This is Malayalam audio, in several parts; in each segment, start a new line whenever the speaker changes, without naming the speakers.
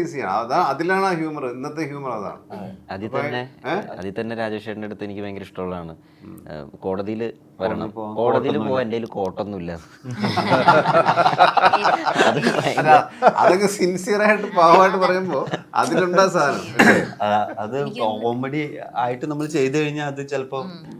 റീപ്ലേസ് ചെയ്യണം. അതാ അതിലാണ് ആ ഹ്യൂമർ, ഇന്നത്തെ ഹ്യൂമർ അതാണ്.
അതിൽ തന്നെ രാജേഷേട്ടൻ്റെ അടുത്ത് എനിക്ക് ഭയങ്കര ഇഷ്ടമുള്ളതാണ്, കോടതിയിൽ വരണം, കോടതിയിൽ പോകാൻ എൻ്റെ കയ്യിൽ കോട്ടൊന്നുമില്ല.
അതൊക്കെ സിൻസിയറായിട്ട് പാവമായിട്ട് പറയുമ്പോ അതിലുണ്ടാ സാധനം.
അത് കോമഡി ആയിട്ട് നമ്മൾ ചെയ്തു കഴിഞ്ഞാൽ അത് ചിലപ്പോ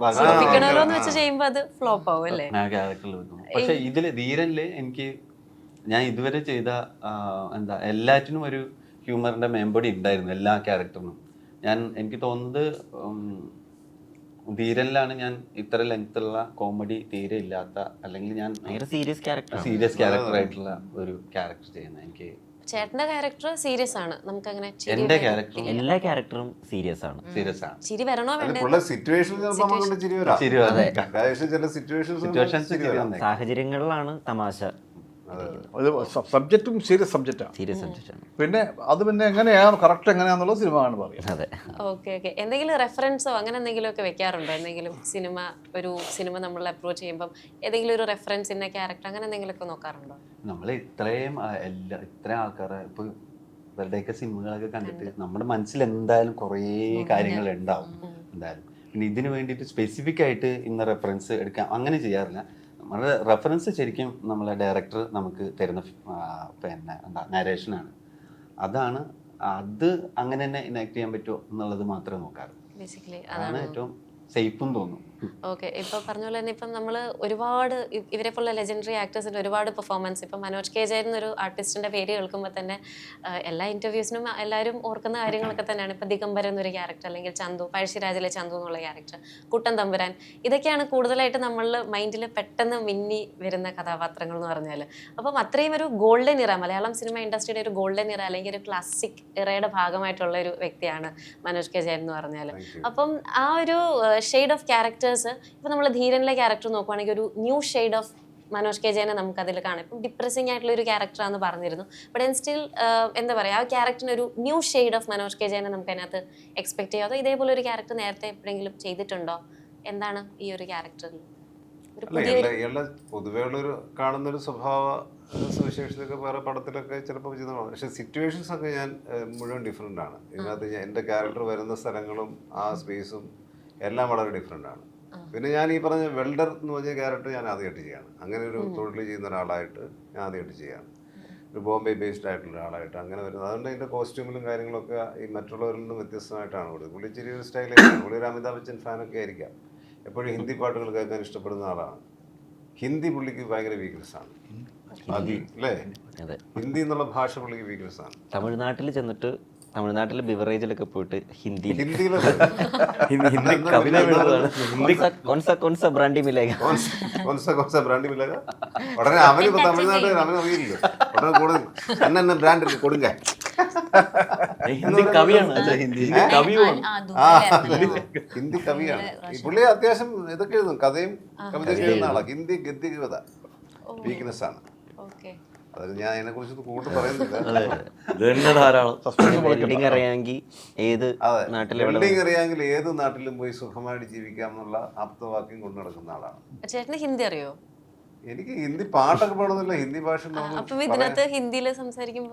പക്ഷെ ഇതില് ധീരനില് എനിക്ക് ഞാൻ ഇതുവരെ ചെയ്ത എല്ലാറ്റിനും ഒരു ഹ്യൂമറിന്റെ മേമ്പൊടി ഉണ്ടായിരുന്നു, എല്ലാ ക്യാരക്ടറിനും. എനിക്ക് തോന്നുന്നത് ധീരനിലാണ് ഞാൻ ഇത്ര ലെങ്ത്തുള്ള കോമഡി തീരെ ഇല്ലാത്ത, അല്ലെങ്കിൽ ഞാൻ സീരിയസ് ക്യാരക്ടർ ആയിട്ടുള്ള ഒരു ക്യാരക്ടർ ചെയ്യുന്നത്. എനിക്ക്
ചേട്ടന്റെ ക്യാരക്ടർ സീരിയസ് ആണ്, നമുക്ക് അങ്ങനെ
എന്റെ ക്യാരക്ടർ
എല്ലാ ക്യാരക്ടറും സീരിയസ് ആണ്.
ചിരി വരണോ വേണ്ടേ?
സാഹചര്യങ്ങളിലാണ് തമാശ.
സബ്ജക്റ്റും സീരിയസ് സബ്ജക്റ്റാണ്. പിന്നെ അത് പിന്നെ എങ്ങനെയാണ് കറക്റ്റ് എങ്ങനെയാണെന്നുള്ള സിനിമ ആണ് പറയുന്നത്.
അതെ.
ഓക്കെ. എന്തെങ്കിലും റെഫറൻസോ അങ്ങനെ എന്തെങ്കിലും ഒക്കെ വെക്കാറുണ്ടോ? എന്തെങ്കിലും സിനിമ നമ്മൾ അപ്രോച്ച് ചെയ്യുമ്പോൾ ഏതെങ്കിലും ഒരു റെഫറൻസ് ഇന്ന ക്യാരക്ടർ അങ്ങനെ എന്തെങ്കിലും ഒക്കെ നോക്കാറുണ്ടോ?
നമ്മൾ ഇത്രയും ആൾക്കാരെ ഇപ്പൊ ഇവരുടെയൊക്കെ സിനിമകളൊക്കെ കണ്ടിട്ട് നമ്മുടെ മനസ്സിൽ എന്തായാലും കുറേ കാര്യങ്ങൾ ഉണ്ടാവും എന്തായാലും. പിന്നെ ഇതിന് വേണ്ടിയിട്ട് സ്പെസിഫിക് ആയിട്ട് ഇന്ന റെഫറൻസ് എടുക്കാം അങ്ങനെ ചെയ്യാറില്ല. നമ്മുടെ റെഫറൻസ് ശരിക്കും നമ്മളെ ഡയറക്ടർ നമുക്ക് തരുന്ന നരേഷനാണ്. അത് അങ്ങനെ തന്നെ ഇനാക്ട് ചെയ്യാൻ പറ്റുമോ എന്നുള്ളത് മാത്രമേ നോക്കാറ്. അതാണ് ഏറ്റവും സേഫും തോന്നും.
ഓക്കെ. ഇപ്പൊ പറഞ്ഞ പോലെ തന്നെ ഇപ്പം നമ്മൾ ഒരുപാട് ഇവരെ പോലുള്ള ലെജൻഡറി ആക്ടേഴ്സിന്റെ ഒരുപാട് പെർഫോമൻസ്, ഇപ്പം മനോജ് കെ ജയൻ എന്നൊരു ആർട്ടിസ്റ്റിന്റെ പേര് കേൾക്കുമ്പോൾ തന്നെ എല്ലാ ഇന്റർവ്യൂസിനും എല്ലാവരും ഓർക്കുന്ന കാര്യങ്ങളൊക്കെ തന്നെയാണ്. ഇപ്പം ദിഗംബരൻ എന്നൊരു ക്യാരക്ടർ, അല്ലെങ്കിൽ ചന്തു, പഴശ്ശിരാജിലെ ചന്തു എന്നുള്ള ക്യാരക്ടർ, കുട്ടൻ തമ്പുരാൻ, ഇതൊക്കെയാണ് കൂടുതലായിട്ട് നമ്മളുടെ മൈൻഡിൽ പെട്ടെന്ന് മിന്നി വരുന്ന കഥാപാത്രങ്ങൾ എന്ന് പറഞ്ഞാൽ. അപ്പം അത്രയും ഒരു ഗോൾഡൻ ഇറ, മലയാളം സിനിമ ഇൻഡസ്ട്രിയുടെ ഒരു ഗോൾഡൻ ഇറ അല്ലെങ്കിൽ ഒരു ക്ലാസിക് ഇറയുടെ ഭാഗമായിട്ടുള്ള ഒരു വ്യക്തിയാണ് മനോജ് കെ ജയൻ എന്ന് പറഞ്ഞാൽ. അപ്പം ആ ഒരു ഷെയ്ഡ് ഓഫ് ക്യാരക്ടേഴ്സ് ഇപ്പൊ നമ്മൾ ധീരനിലെ ക്യാരക്ടർ നോക്കുവാണെങ്കിൽ ഒരു new shade of Manoj K ജയനെ നമുക്ക് അതിൽ കാണാം. ഇപ്പം ഡിപ്രസിംഗ് ആയിട്ടുള്ള ഒരു ക്യാരക്ടറാണെന്ന് പറഞ്ഞിരുന്നു, ബട്ട് സ്റ്റിൽ എന്താ പറയുക, ആ ക്യാരക്ടറിന് ഒരു new shade of Manoj K ജയനെ നമുക്ക് അതിനകത്ത് എക്സ്പെക്ട് ചെയ്യാം. അതോ ഇതേപോലെ ഒരു ക്യാരക്ടർ നേരത്തെ എപ്പോഴെങ്കിലും ചെയ്തിട്ടുണ്ടോ? എന്താണ് ഈ ഒരു ക്യാരക്ടറിൽ
പൊതുവേ ഉള്ളൊരു കാണുന്നൊരു സ്വഭാവ സവിശേഷതയൊക്കെ വേറെ പടത്തിലൊക്കെ ചിലപ്പോൾ ചെയ്തതാണ്. പക്ഷെ സിറ്റുവേഷൻസ് ഒക്കെ ഞാൻ മുഴുവൻ ഡിഫറെൻ്റ് ആണ്. ഇതിനകത്ത് എൻ്റെ ക്യാരക്ടർ വരുന്ന സ്ഥലങ്ങളും ആ സ്പേസും എല്ലാം വളരെ ഡിഫറെൻ്റ് ആണ്. പിന്നെ ഞാൻ ഈ പറഞ്ഞ വെൽഡർ എന്ന് പറഞ്ഞ ക്യാരക്ടർ ഞാൻ ആദ്യമായിട്ട് ചെയ്യാണ്. അങ്ങനെ ഒരു തൊഴിൽ ചെയ്യുന്ന ഒരാളായിട്ട് ഞാൻ ആദ്യമായിട്ട് ചെയ്യാണ്, ഒരു ബോംബെ ബേസ്ഡ് ആയിട്ടുള്ള ഒരാളായിട്ട് അങ്ങനെ വരുന്നത്. അതുകൊണ്ട് അതിൻ്റെ കോസ്റ്റ്യൂമിലും കാര്യങ്ങളൊക്കെ ഈ മറ്റുള്ളവരിൽ നിന്നും വ്യത്യസ്തമായിട്ടാണ് കൊടുത്തത്. പുള്ളി ചെറിയ ഒരു സ്റ്റൈലൊക്കെയാണ്. പുള്ളി ഒരു അമിതാഭ് ബച്ചൻ ഫാനൊക്കെ ആയിരിക്കാം. എപ്പോഴും ഹിന്ദി പാട്ടുകൾ കേൾക്കാൻ ഇഷ്ടപ്പെടുന്ന ആളാണ്. ഹിന്ദി പുള്ളിക്ക് ഭയങ്കര വീക്ക്നെസ് ആണ്. അല്ലേ? ഹിന്ദി എന്നുള്ള ഭാഷ പുള്ളിക്ക് വീക്ക്നെസ് ആണ്.
തമിഴ്നാട്ടിൽ ചെന്നിട്ട് തമിഴ്നാട്ടിലെ ബിവറേജിലൊക്കെ പോയിട്ട് ഹിന്ദി ബ്രാൻഡി മിലേഗ
ഉടനെ അവനിപ്പോ തമിഴ്നാട്ടിൽ അവനറിയില്ലല്ലോ, ഉടനെ കൂടെ എന്നെ ബ്രാൻഡ് കൊടുങ്ക
ഹിന്ദി കവിയാണ്.
ഹിന്ദി കവിയാണ് ഈ പുള്ളി. അത്യാവശ്യം ഇതൊക്കെ എഴുതും, കഥയും കവിതയൊക്കെ എഴുതുന്ന ആളാണ്. ഹിന്ദി ഗദ്യ കവിത വീക്ക്നെസ് ആണ്. അത് ഞാൻ അതിനെ കുറിച്ച് കൂടുതൽ പറയുന്നില്ല.
വെൽഡിങ് അറിയാമെങ്കിൽ ഏത്
നാട്ടിലും പോയി സുഖമായിട്ട് ജീവിക്കാം എന്നുള്ള ആപ്തവാക്യം കൊണ്ടു നടക്കുന്ന ആളാണ്.
ചേട്ടന് ഹിന്ദി അറിയോ?
എനിക്ക് ഹിന്ദി പാട്ടൊക്കെ പാടുന്നില്ല, ഹിന്ദി ഭാഷ
ഹിന്ദിയിൽ സംസാരിക്കുമ്പോൾ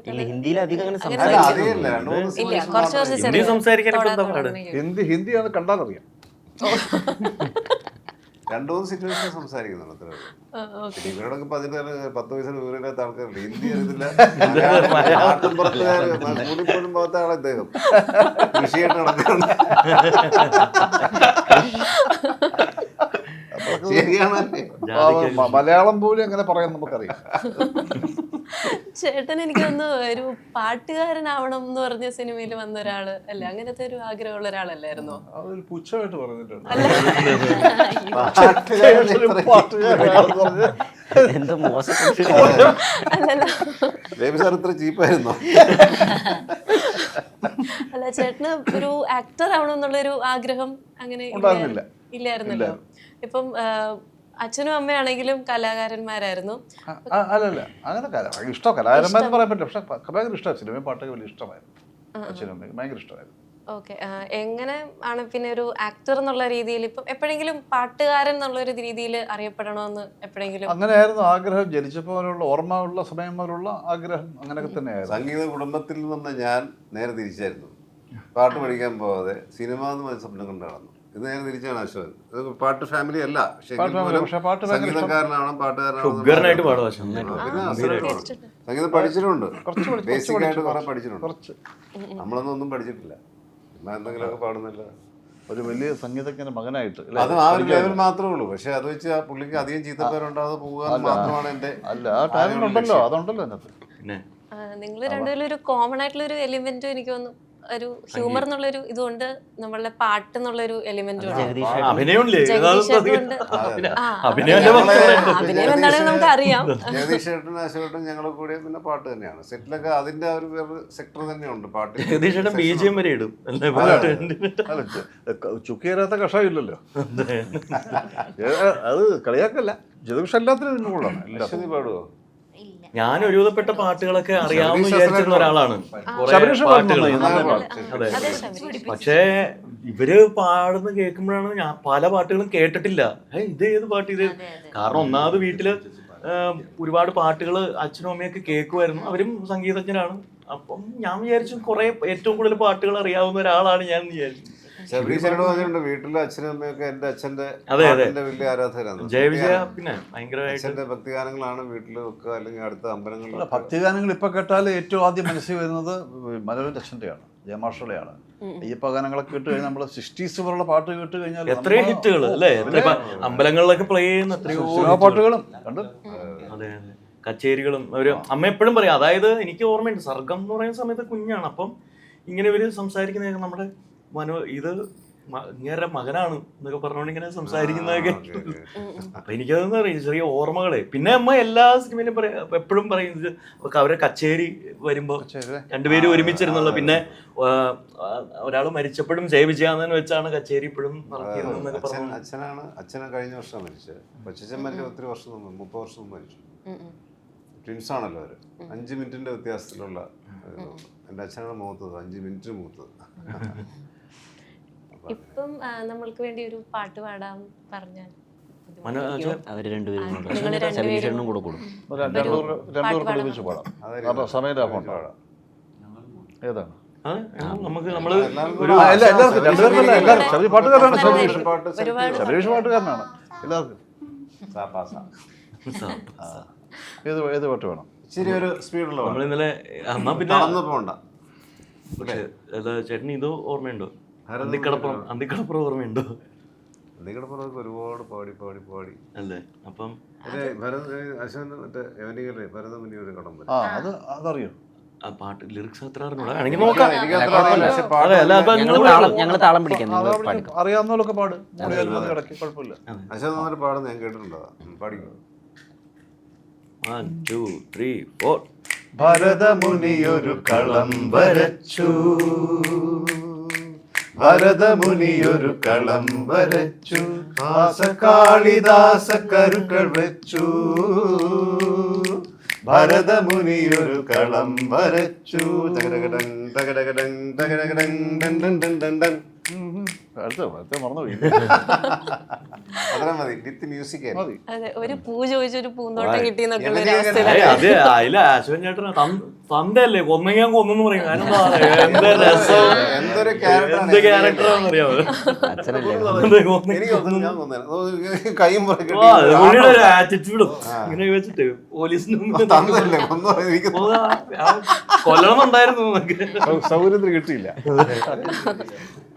ഹിന്ദിയാണ് കണ്ടാലറിയാം.
2-3 സിറ്റുവേഷൻ സംസാരിക്കുന്നുണ്ട് അത്ര. ഇവരോടൊക്കെ 10 വയസ്സിന് വിവരമില്ലാത്ത ആൾക്കാരുണ്ട്. ഹിന്ദി അറിയത്തില്ല. സ്കൂളിൽ പോലും പോകാത്ത ആളെ അദ്ദേഹം കൃഷിയായിട്ട് നടക്കുന്നുണ്ട്.
മലയാളം പോലും എങ്ങനെ പറയാൻ നമുക്കറിയാം.
ചേട്ടൻ എനിക്കൊന്ന് ഒരു പാട്ടുകാരനാവണം എന്ന് പറഞ്ഞ സിനിമയിൽ വന്ന ഒരാള് അല്ലേ? അങ്ങനത്തെ ഒരു ആഗ്രഹമുള്ള ഒരാളല്ലായിരുന്നോ?
അതൊരു പുച്ഛമായിട്ട് പറഞ്ഞിട്ടുണ്ട്.
എന്താ മോശം
അല്ല, ചേട്ടന് ഒരു ആക്ടർ ആവണമെന്നുള്ളൊരു ആഗ്രഹം അങ്ങനെ ഇല്ലായിരുന്നല്ലോ. ഇപ്പം അച്ഛനും അമ്മയാണെങ്കിലും കലാകാരന്മാരായിരുന്നു.
അല്ലല്ല, അങ്ങനെ ഇഷ്ടം കലാകാരന്മാരെന്ന് പറയാൻ പറ്റില്ല. പക്ഷെ ഭയങ്കര ഇഷ്ടമാണ് സിനിമയും പാട്ടൊക്കെ വലിയ ഇഷ്ടമായിരുന്നു. അച്ഛനും അമ്മയ്ക്ക് ഭയങ്കര ഇഷ്ടമായിരുന്നു.
ഓക്കെ, എങ്ങനെ ആണ് പിന്നെ ഒരു ആക്ടർ എന്നുള്ള രീതിയിൽ ഇപ്പം എപ്പോഴെങ്കിലും പാട്ടുകാരൻ എന്നുള്ള ഒരു രീതിയിൽ അറിയപ്പെടണമെന്ന് എപ്പോഴെങ്കിലും?
അങ്ങനെയായിരുന്നു ആഗ്രഹം. ജനിച്ചപ്പോൾ മുതലുള്ള ഓർമ്മ ഉള്ള സമയം മുതലുള്ള ആഗ്രഹം അങ്ങനെയൊക്കെ തന്നെയായിരുന്നു.
സംഗീത കുടുംബത്തിൽ നിന്ന് ഞാൻ നേരെ തിരിച്ചായിരുന്നു. പാട്ട് പഠിക്കാൻ പോവാതെ സിനിമ എന്ന് പറഞ്ഞ സ്വപ്നം കൊണ്ട് നടന്നു. ഇത് നേരെ തിരിച്ചാണ് അശോകൻ. ഇത് പാട്ട് ഫാമിലി അല്ല, പക്ഷേ സംഗീതക്കാരനാണ്,
ഉഗ്രനായിട്ട് പാടും അശോകൻ.
സംഗീതം പഠിച്ചിട്ടുണ്ട്, ബേസിക് ആയിട്ട് കുറെ പഠിച്ചിട്ടുണ്ട്. നമ്മളൊന്നും ഒന്നും പഠിച്ചിട്ടില്ല, എന്തെങ്കിലുമൊക്കെ പാടുന്നില്ല.
ഒരു വലിയ സംഗീതജ്ഞന്റെ മകനായിട്ട്
അത് ആ ഒരു ലെവൽ മാത്രമേ ഉള്ളൂ. പക്ഷെ അത് വെച്ച് ആ പുള്ളിക്ക് അധികം ചീത്തപ്പേരുണ്ടാകാതെ പോകുക മാത്രമാണ് എന്റെ.
അല്ല, ആ ടാലന്റ് ഉണ്ടല്ലോ, അതുണ്ടല്ലോ അതിനകത്ത്.
പിന്നെ
നിങ്ങൾ രണ്ടുപേരും ഒരു കോമൺ ആയിട്ടുള്ള ഒരു എലിമെന്റും എനിക്ക് തോന്നുന്നു ഒരു ഹ്യൂമർ എന്നുള്ളൊരു ഇതുകൊണ്ട് നമ്മളുടെ പാട്ട് എന്നുള്ളൊരു എലിമെന്റും
അഭിനയമില്ലേ?
അഭിനയം എന്താണെന്ന് നമുക്ക് അറിയാം.
ജഗദീഷ് ചേട്ടനും അശോകേട്ടനും ഞങ്ങൾ കൂടെ പിന്നെ പാട്ട് തന്നെയാണ്. സെറ്റിലൊക്കെ അതിന്റെ ഒരു വേറെ സെക്ടർ തന്നെയുണ്ട് പാട്ട്.
ജഗദീഷേട്ടൻ BGM വരെ ഇടും.
അല്ല, ചുക്കിയരാത്ത കഷായം ഇല്ലല്ലോ. അത് കളിയാക്കല്ല, ജഗദീഷ് എല്ലാത്തിനും ഇതിന് കൊള്ളാണ്.
അശ്വതി പാടുവോ?
ഞാൻ ഒരുവിധപ്പെട്ട പാട്ടുകളൊക്കെ അറിയാമെന്ന് വിചാരിച്ചിരുന്ന ഒരാളാണ്. അതെ, പക്ഷേ ഇവര് പാടുന്ന കേൾക്കുമ്പോഴാണ് ഞാൻ പല പാട്ടുകളും കേട്ടിട്ടില്ല. ഇത് ഏത് പാട്ട് ഇത്? കാരണം ഒന്നാമത് വീട്ടില് ഒരുപാട് പാട്ടുകൾ അച്ഛനും അമ്മയൊക്കെ കേൾക്കുമായിരുന്നു. അവരും സംഗീതജ്ഞരാണ്. അപ്പം ഞാൻ വിചാരിച്ചു കുറെ ഏറ്റവും കൂടുതൽ പാട്ടുകൾ അറിയാവുന്ന ഒരാളാണ് ഞാൻ വിചാരിച്ചു.
വീട്ടിലെ അച്ഛനും അമ്മയൊക്കെ എന്റെ അച്ഛന്റെ വലിയ ആരാധകരാണ്.
ജയവിജയ പിന്നെ ഭയങ്കരമായിട്ട്
അച്ഛന്റെ ഭക്തിഗാനങ്ങളാണ് വീട്ടിൽ വെക്കുക, അല്ലെങ്കിൽ അടുത്ത അമ്പലങ്ങളിൽ.
ഭക്തിഗാനങ്ങൾ ഇപ്പൊ കേട്ടാൽ ഏറ്റവും ആദ്യം മനസ്സിൽ വരുന്നത് മനോരഞ്ജൻ അച്ഛന്റെയാണ്, ജയമാഷയുടെയാണ്. അയ്യപ്പ ഗാനങ്ങളൊക്കെ കേട്ട് കഴിഞ്ഞാൽ നമ്മള് 60s പോലുള്ള പാട്ട് കേട്ട് കഴിഞ്ഞാൽ
എത്രയോ ഹിറ്റുകൾ അല്ലേ, അമ്പലങ്ങളിലൊക്കെ പ്ലേ ചെയ്യുന്ന എത്രയോ
പാട്ടുകളും കണ്ടു.
അതെ, കച്ചേരികളും. ഒരു അമ്മ എപ്പോഴും പറയും, അതായത് എനിക്ക് ഓർമ്മയുണ്ട്, സർഗം എന്ന് പറയുന്ന സമയത്ത് കുഞ്ഞാണ്. അപ്പം ഇങ്ങനെ ഇവര് സംസാരിക്കുന്ന നമ്മുടെ ഇത് ഇങ്ങനെ മകനാണ് എന്നൊക്കെ പറഞ്ഞോണ്ട് ഇങ്ങനെ സംസാരിക്കുന്നതൊക്കെ. അപ്പൊ എനിക്കതെന്ന് പറയും ചെറിയ ഓർമ്മകളെ. പിന്നെ അമ്മ എല്ലാ സിനിമയിലും എപ്പോഴും പറയുന്നത് അവരെ കച്ചേരി വരുമ്പോ രണ്ടുപേരും ഒരുമിച്ചിരുന്നുള്ള. പിന്നെ ഒരാൾ മരിച്ചപ്പോഴും ജയവിജയാനന്ദൻ വെച്ചാണ് കച്ചേരി ഇപ്പോഴും നടത്തിയത്.
അച്ഛനെ കഴിഞ്ഞ വർഷം മരിച്ചത്. കൊച്ചമ്മന്റെ ഒത്തിരി വർഷം മുമ്പ്, 30 വർഷം മുമ്പ് മരിച്ചു. ട്വിൻസ് ആണല്ലോ അവര്. 5 മിനിറ്റിന്റെ വ്യത്യാസത്തിലുള്ള. എൻ്റെ അച്ഛനാണ് മൂത്തത്, 5 മിനിറ്റ് മൂത്തത്.
ഇപ്പം നമ്മൾക്ക് വേണ്ടി ഒരു പാട്ട് പാടാൻ പറഞ്ഞാൽ
അവര് രണ്ടുപേരും കൂടെ കൂടും.
രണ്ടുപേർക്ക് ഒരുമിച്ച് പാടാം. സമയം ലാഭം പാടാം. ഏതാണ്? പാട്ടുകാരനാണ്, ശബരീഷ് പാട്ടുകാരനാണ്. എല്ലാവർക്കും ഏത് പാട്ട് വേണം?
ഇച്ചിരി ഒരു സ്പീഡുള്ള
നമ്മളിന്നലെ
പിന്നെ പോണ്ട.
ചേട്ടന് ഇത് ഓർമ്മയുണ്ടോ? അന്തിക്കടപ്പുറം ഓർമ്മയുണ്ടോ?
അന്തിക്കടപ്പുറമൊക്കെ ഒരുപാട് പാടി
അല്ലേ? അപ്പം
ഭരതമുനി ഒരു കടം
അതറിയോ?
ആ പാട്ട് ലിറിക്സ് അത്ര അറിഞ്ഞൂടാ, വേണമെങ്കിൽ നോക്കാം.
ഞങ്ങൾ താളം പിടിക്കാം,
അറിയാവുന്നവരൊക്കെ പാട്. കുഴപ്പമില്ല.
അശോക് പാടുന്ന ഞാൻ കേട്ടിട്ടുണ്ടോ? പാടിക്കും.
1 2 3 4.
ഭരതമുനിയൊരു കളം വരച്ചു, ഭരതമുനിയൊരു കളം വരച്ചു, കാളിദാസ കരുക്കൾ വെച്ചു. ഭരതമുനിയൊരു കളം വരച്ചു. മറന്നുപോയി.
അതെ, ഒരു പൂ ചോദിച്ചൊരു പൂന്തോട്ടം കിട്ടിയെന്നൊക്കെ
അതെ, അതില് അശ്വൻ ചേട്ടൻ തന്തല്ലേ കൊന്നെങ്കിൽ കൊന്നെന്ന് പറയും. എന്ത് രസം, എന്ത് ക്യാരക്ടറാണെന്ന് അറിയാമോ? പുള്ളിയുടെ ആറ്റിറ്റ്യൂഡും ഇങ്ങനെ വെച്ചിട്ട് പോലീസിന് കൊല്ലണമെന്നുണ്ടായിരുന്നു.
സൗകര്യത്തിന് കിട്ടിയില്ല.